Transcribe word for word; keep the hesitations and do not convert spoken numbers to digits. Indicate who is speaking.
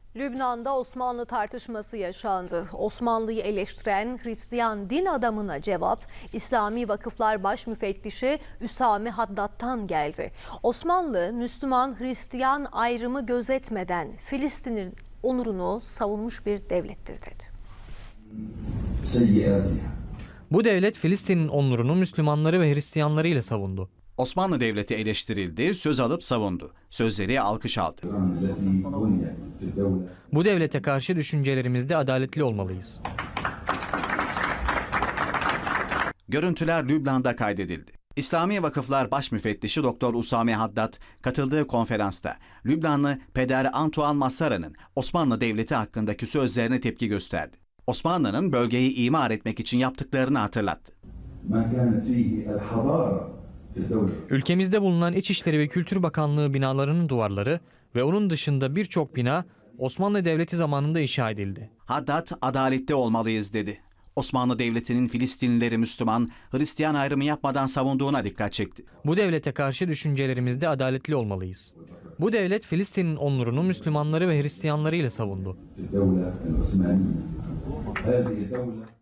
Speaker 1: Lübnan'da Osmanlı tartışması yaşandı. Osmanlı'yı eleştiren Hristiyan din adamına cevap İslami Vakıflar Baş Müfettişi Üsame Haddad'tan geldi. Osmanlı, Müslüman-Hristiyan ayrımı gözetmeden Filistin'in onurunu savunmuş bir devlettir dedi.
Speaker 2: Bu devlet Filistin'in onurunu Müslümanları ve Hristiyanları ile savundu.
Speaker 3: Osmanlı Devleti eleştirildi, söz alıp savundu. Sözleri alkış aldı.
Speaker 2: Bu devlete karşı düşüncelerimizde adaletli olmalıyız.
Speaker 3: Görüntüler Lübnan'da kaydedildi. İslami Vakıflar Baş Müfettişi Doktor Usame Haddad katıldığı konferansta Lübnanlı Peder Antoine Massara'nın Osmanlı Devleti hakkındaki sözlerine tepki gösterdi. Osmanlı'nın bölgeyi imar etmek için yaptıklarını hatırlattı.
Speaker 2: Ülkemizde bulunan İçişleri ve Kültür Bakanlığı binalarının duvarları ve onun dışında birçok bina Osmanlı Devleti zamanında inşa edildi.
Speaker 3: Haddad, adaletli olmalıyız dedi. Osmanlı Devleti'nin Filistinlileri Müslüman, Hristiyan ayrımı yapmadan savunduğuna dikkat çekti.
Speaker 2: Bu devlete karşı düşüncelerimizde adaletli olmalıyız. Bu devlet Filistin'in onurunu Müslümanları ve Hristiyanları ile savundu.